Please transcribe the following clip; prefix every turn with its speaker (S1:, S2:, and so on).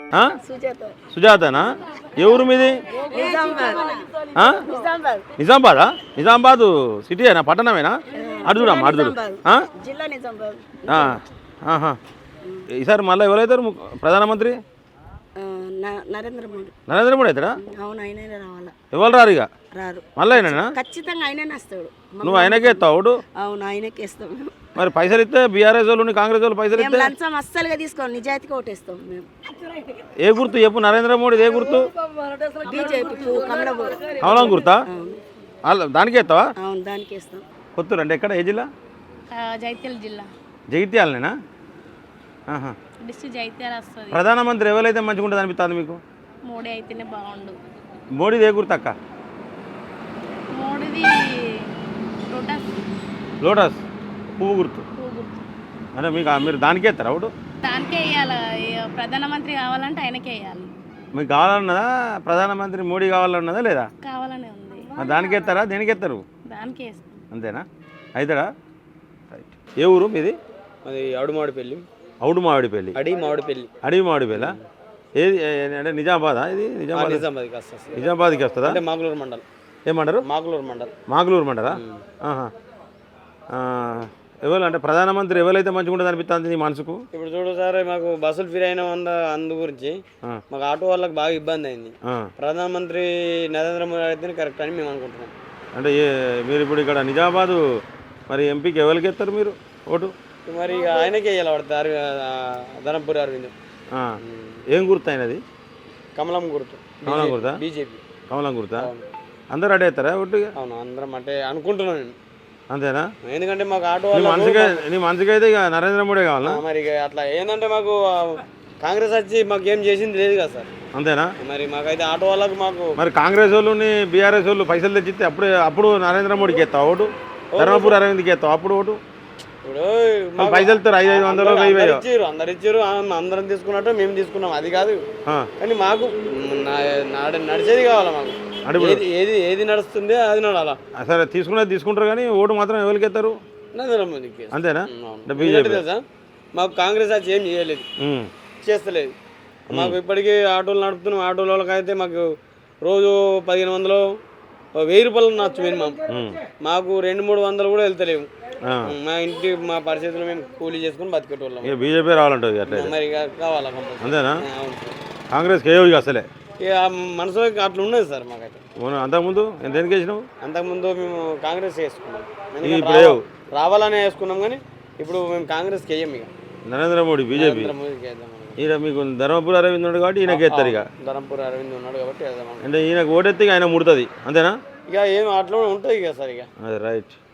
S1: ఆ? సుజాతనా ఏ ఊరు మీది ఆ? నిజామాబాదా నిజామాబాద్ సిటీయేనా పట్టణమేనా అడుగురామ్మా అడుగురు ఈసారి మళ్ళీ ఎవరైతారు ప్రధానమంత్రి
S2: నరేంద్ర మోడీ.
S1: నరేంద్ర మోడీ అవుతాడా
S2: అవును, ఆయనే రావాలా.
S1: ఎవరు రారు ఇక
S2: రారు.
S1: మళ్ళీ అయినా
S2: ఖచ్చితంగా ఆయనే వస్తాడు.
S1: నువ్వు ఆయనకే ఎత్తావు ఓటు.
S2: అవును, ఆయనకే ఇస్తాం మేము.
S1: మరి పైసలు ఇస్తే బీఆర్ఎస్ వాళ్ళు కాంగ్రెస్ వాళ్ళు పైసలు
S2: మేము
S1: ఇస్తే
S2: లంచం అస్సలుగా తీసుకోండి, నిజాయితీగా ఓటేస్తాం మేము.
S1: ఏ గుర్తు చెప్పు నరేంద్ర మోడీ ఏ గుర్తు
S2: బీజేపీ
S1: కమలం గుర్తా దానికే ఎత్తావా
S2: అవును, దానికి ఇస్తాం.
S1: కొత్తూరు అంటే ఎక్కడ ఏ జిల్లా
S3: జైత్యాల జిల్లా
S1: జగిత్యాలనేనా
S3: డిస్ట్రిక్ట్ జైత్యాల వస్తుంది.
S1: ప్రధానమంత్రి ఎవరైతే మంచిగా ఉంటుంది అనిపిస్తుంది మీకు
S3: మోడీ అయితేనే బాగుండు.
S1: మోడీది ఏ గుర్తు అక్క
S3: మోడీది లోటస్
S1: లోటస్ పువ్వు గుర్తు
S3: పువ్వు గుర్తు.
S1: అంటే మీకు మీరు దానికే ఎత్తారా ఓటు
S3: దానికే వేయాలి. ప్రధానమంత్రి కావాలంటే ఆయనకే వేయాలి.
S1: మీకు కావాలన్నదా ప్రధానమంత్రి మోడీ కావాలన్నదా లేదా
S3: కావాలనే ఉంది.
S1: మరి దానికి ఎత్తారా దేనికి ఎత్తారు
S3: దానికే వేస్తాం.
S1: అంతేనా అవుతాడా రైట్ ఏ ఊరు మీది
S4: అది అడుమాడిపల్లి
S1: అవుడు మామిడిపల్లి
S4: మామిడిపల్లి
S1: అడవి మామిడిపల్లి ఏది అంటే నిజామాబాదా ఇది
S4: నిజామాబాద్కి వస్తుంది.
S1: నిజామాబాద్కి వస్తుందా
S4: అంటే మాగులూరు మండల్.
S1: ఏమంటారు మాగులూరు మండలా ఎవరు అంటే ప్రధానమంత్రి ఎవరైతే మంచిగా ఉంటుంది అనిపిస్తుంది నీ మనసుకు
S4: ఇప్పుడు చూడు సార్, మాకు బస్సులు ఫ్రీ అయిన అందు గురించి మాకు ఆటో వాళ్ళకి బాగా ఇబ్బంది అయింది. ప్రధానమంత్రి నరేంద్ర మోడీ అయితేనే కరెక్ట్ అని మేము అనుకుంటున్నాం.
S1: అంటే మీరు ఇప్పుడు ఇక్కడ నిజామాబాదు మరి ఎంపీకి ఎవరికి ఎత్తారు మీరు ఓటు
S4: మరి ఇక ఆయనకే ఇలా పడతారు. ధనంపూరి అరవింద్.
S1: ఏం గుర్తు అయినది
S4: కమలం గుర్తు.
S1: కమలం గుర్తా
S4: బీజేపీ
S1: కమలం గుర్తా అందరు అడే ఎత్తారా ఓటుగా
S4: అవును, అందరం అంటే అనుకుంటున్నాను నేను.
S1: అంతేనా
S4: ఎందుకంటే మాకు ఆటో
S1: నీ మనసుకి అయితే ఇక నరేంద్ర మోడీ కావాలా
S4: మరి ఇక అట్లా ఏంటంటే మాకు కాంగ్రెస్ వచ్చి మాకు ఏం చేసింది లేదు కదా సార్.
S1: అంతేనా
S4: మరి మాకైతే ఆటో వాళ్ళకు మాకు
S1: మరి కాంగ్రెస్ వాళ్ళు బీఆర్ఎస్ వాళ్ళు పైసలు తెచ్చిస్తే అప్పుడు నరేంద్ర మోడీకి ఎత్తావు ఓటు ధర్మపురి అరవింద్కి ఎత్తావు అప్పుడు ఓటు
S4: ఇప్పుడు
S1: పైసలు 500
S4: ఇచ్చారు, అందరు ఇచ్చారు, అందరం తీసుకున్నట్టు మేము తీసుకున్నాం, అది కాదు. కానీ మాకు నడిచేది కావాలా. మాకు ఏది నడుస్తుంది అది నడాలా.
S1: సరే తీసుకునేది తీసుకుంటారు కానీ ఓటు మాత్రం ఎవరికి ఎత్తారు
S4: నరేంద్ర మోదీకి.
S1: అంతేనా
S4: బీజేపీ తెలుసా, మాకు కాంగ్రెస్ వచ్చి ఏం చేయలేదు, చేస్తలేదు. మాకు ఇప్పటికీ ఆటోలు నడుపుతున్నాం. ఆటోల వాళ్ళకైతే మాకు రోజు 1500 1000 రూపాయలు నచ్చు మినిమం. మాకు 200-300 కూడా వెళ్తలేము. మా ఇంటి మా పరిస్థితులు మేము కూలీ చేసుకుని బతికేటోళ్ళం.
S1: బీజేపీ రావాలంటుంది
S4: మరి కావాలా
S1: అంతేనా కాంగ్రెస్కి ఏ అసలే
S4: ఇక మనసులో అట్లా ఉన్నది సార్ మాకైతే.
S1: అంతకుముందు దేనికి వేసినావు
S4: అంతకుముందు మేము కాంగ్రెస్ వేసుకున్నాం, రావాలనే వేసుకున్నాం. కానీ ఇప్పుడు మేము కాంగ్రెస్కి వేయం. ఇక
S1: నరేంద్ర మోడీ బీజేపీ ఈయన మీకు ధర్మపురి అరవింద్ ఉన్నాడు కాబట్టి ఈయనకి ఎత్తారు. ఇక
S4: ధర్మపురి అరవింద్ ఉన్నాడు కాబట్టి
S1: అంటే ఈయనకు ఓటెత్తి ఆయన ముడుతుంది అంతేనా
S4: ఇక ఏం అట్లా ఉంటుంది ఇక సార్. ఇక
S1: అదే రైట్.